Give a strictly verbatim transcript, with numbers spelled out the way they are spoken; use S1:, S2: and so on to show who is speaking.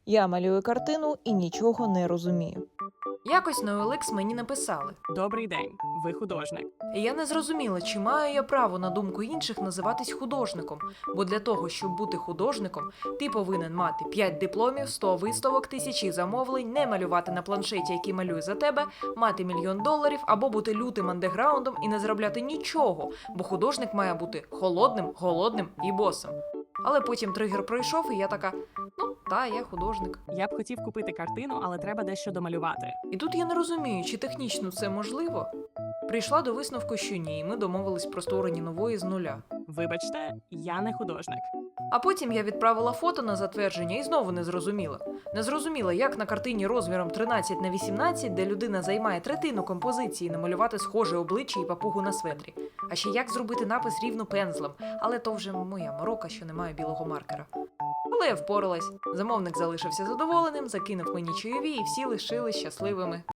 S1: Я малюю картину і нічого не розумію.
S2: Якось на о ел ікс мені написали.
S3: Добрий день, ви художник.
S2: І я не зрозуміла, чи маю я право на думку інших називатись художником. Бо для того, щоб бути художником, ти повинен мати п'ять дипломів, сто виставок, тисячі замовлень, не малювати на планшеті, який малює за тебе, мати мільйон доларів або бути лютим андеграундом і не заробляти нічого, бо художник має бути холодним, голодним і босим. Але потім тригер пройшов, і я така, ну, та, я художник.
S3: Я б хотів купити картину, але треба дещо домалювати.
S2: І тут я не розумію, чи технічно це можливо. Прийшла до висновку, що ні, і ми домовились про створення нової з нуля.
S3: Вибачте, я не художник.
S2: А потім я відправила фото на затвердження і знову не зрозуміла. Не зрозуміла, як на картині розміром тринадцять на вісімнадцять, де людина займає третину композиції, намалювати схоже обличчя і папугу на светрі. А ще як зробити напис рівно пензлем, але то вже моя морока, що немає білого маркера. Але я впоралась. Замовник залишився задоволеним, закинув мені чайові і всі лишились щасливими.